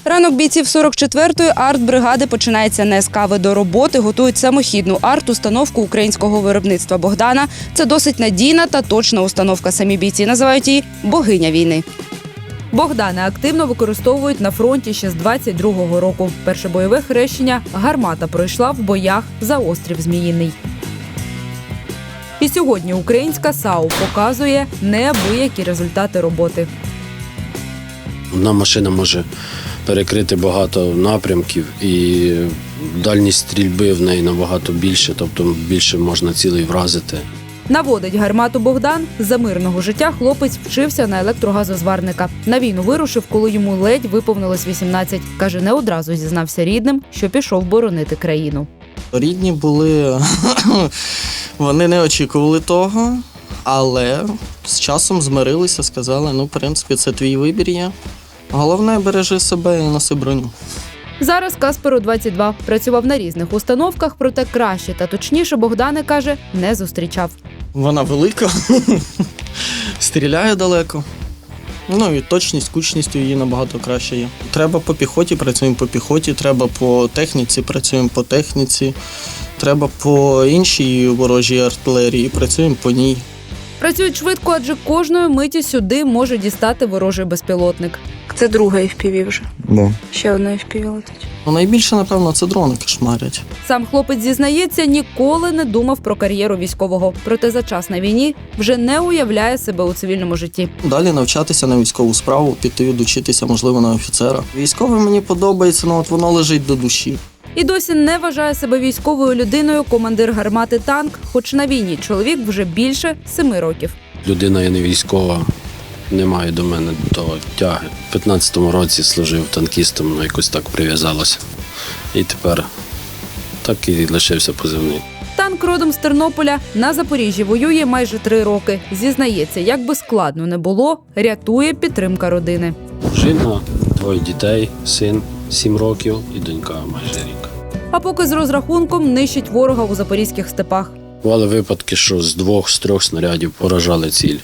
Ранок бійців 44-ї артбригади починається не з кави. До роботи готують самохідну арт-установку українського виробництва «Богдана». Це досить надійна та точна установка. Самі бійці називають її «богиня війни». «Богдани» активно використовують на фронті ще з 22-го року. Перше бойове хрещення гармата пройшла в боях за острів Зміїний. І сьогодні українська САУ показує неабиякі результати роботи. Одна машина може перекрити багато напрямків і дальність стрільби в неї набагато більше, тобто більше можна цілей вразити. Наводить гармату Богдан. За мирного життя хлопець вчився на електрогазозварника. На війну вирушив, коли йому ледь виповнилось 18. Каже, не одразу зізнався рідним, що пішов боронити країну. Рідні були, вони не очікували того, але з часом змирилися, сказали, в принципі, це твій вибір є. Головне, бережи себе і носи броню. Зараз Касперу 22. Працював на різних установках, проте краще та точніше Богдани, каже, не зустрічав. Вона велика, стріляє далеко. І точність, кучність її набагато краще є. Треба по піхоті, працюємо по піхоті, треба по техніці, працюємо по техніці, треба по іншій ворожій артилерії, працюємо по ній. Працюють швидко, адже кожної миті сюди може дістати ворожий безпілотник. Це друга FPV вже. Да. Ще одна FPV летить. Найбільше, напевно, це дрони кошмарять. Сам хлопець зізнається, ніколи не думав про кар'єру військового. Проте за час на війні вже не уявляє себе у цивільному житті. Далі навчатися на військову справу, піти docитися, можливо, на офіцера. Військове мені подобається, воно лежить до душі. І досі не вважає себе військовою людиною командир гармати «Танк», хоч на війні чоловік вже більше 7 років. Людина є не військова, немає до мене того тяги. У 15-му році служив танкістом, якось так прив'язалося. І тепер так і лишився позивний. «Танк» родом з Тернополя, на Запоріжжі воює майже 3 роки. Зізнається, як би складно не було, рятує підтримка родини. Жінка, 2 дітей, син 7 років і донька майже рік. А поки з розрахунком нищить ворога у запорізьких степах. Бували випадки, що з 2-3 снарядів поражали ціль.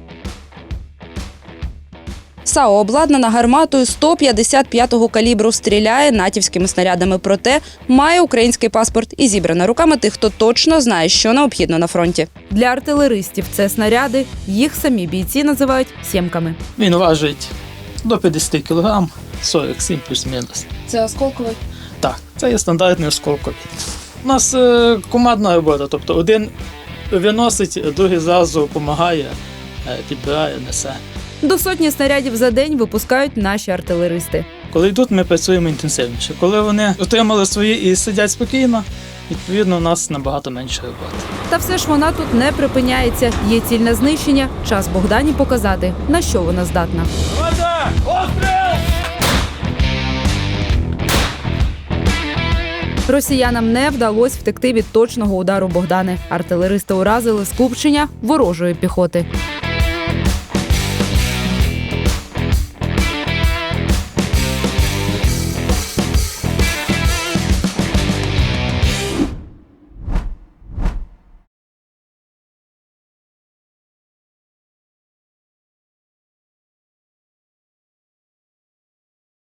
САУ обладнана гарматою 155-го калібру, стріляє натівськими снарядами. Проте має український паспорт і зібрана руками тих, хто точно знає, що необхідно на фронті. Для артилеристів це снаряди, їх самі бійці називають «сємками». Він важить до 50 кг, 47 плюс-мінус. Це осколковий? Так, це є стандартний осколковий. У нас командна робота, тобто один виносить, другий зразу допомагає, підбирає, несе. До 100 снарядів за день випускають наші артилеристи. Коли йдуть, ми працюємо інтенсивніше. Коли вони отримали свої і сидять спокійно, відповідно, у нас набагато менше роботи. Та все ж вона тут не припиняється. Є ціль на знищення. Час Богдані показати, на що вона здатна. Росіянам не вдалося втекти від точного удару Богдани. Артилеристи уразили скупчення ворожої піхоти.